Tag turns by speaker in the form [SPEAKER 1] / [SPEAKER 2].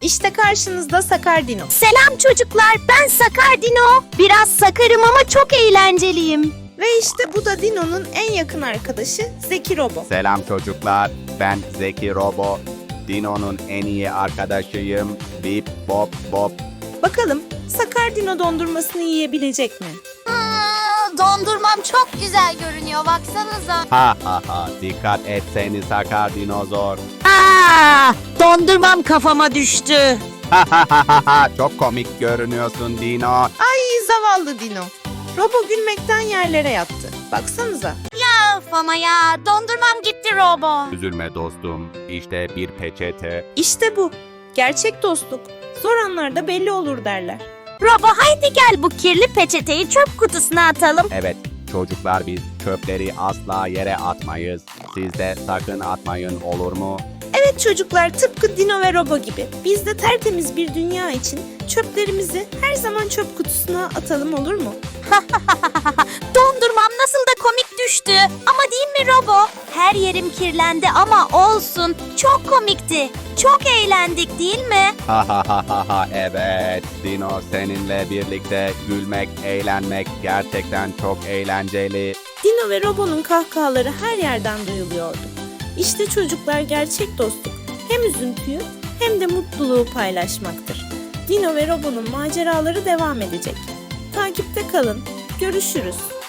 [SPEAKER 1] İşte karşınızda Sakar Dino.
[SPEAKER 2] Selam çocuklar, ben Sakar Dino. Biraz sakarım ama çok eğlenceliyim.
[SPEAKER 1] Ve işte bu da Dino'nun en yakın arkadaşı Zeki Robo.
[SPEAKER 3] Selam çocuklar, ben Zeki Robo. Dino'nun en iyi arkadaşıyım. Bip bop bop.
[SPEAKER 1] Bakalım Sakar Dino dondurmasını yiyebilecek mi?
[SPEAKER 2] Dondurmam çok güzel görünüyor, baksanıza.
[SPEAKER 3] Ha ha ha, dikkat et seni sakar dinozor.
[SPEAKER 2] Dondurmam kafama düştü.
[SPEAKER 3] Ha ha ha ha ha, çok komik görünüyorsun Dino.
[SPEAKER 1] Ay zavallı Dino. Robo gülmekten yerlere yattı. Baksanıza.
[SPEAKER 2] Of ama ya, dondurmam gitti Robo.
[SPEAKER 3] Üzülme dostum, işte bir peçete.
[SPEAKER 1] İşte bu. Gerçek dostluk. Zor anlarda belli olur derler.
[SPEAKER 2] Robo haydi gel bu kirli peçeteyi çöp kutusuna atalım.
[SPEAKER 3] Evet, çocuklar biz çöpleri asla yere atmayız. Siz de sakın atmayın, olur mu?
[SPEAKER 1] Evet çocuklar, tıpkı Dino ve Robo gibi. Biz de tertemiz bir dünya için çöplerimizi her zaman çöp kutusuna atalım, olur mu?
[SPEAKER 2] Dondurmam nasıl da komik düştü. Ama değil mi Robo? Her yerim kirlendi ama olsun. Çok komikti. Çok eğlendik değil mi?
[SPEAKER 3] Ha ha ha ha ha, evet. Dino, seninle birlikte gülmek, eğlenmek gerçekten çok eğlenceli.
[SPEAKER 1] Dino ve Robo'nun kahkahaları her yerden duyuluyordu. İşte çocuklar, gerçek dostluk hem üzüntüyü hem de mutluluğu paylaşmaktır. Dino ve Robo'nun maceraları devam edecek. Takipte kalın. Görüşürüz.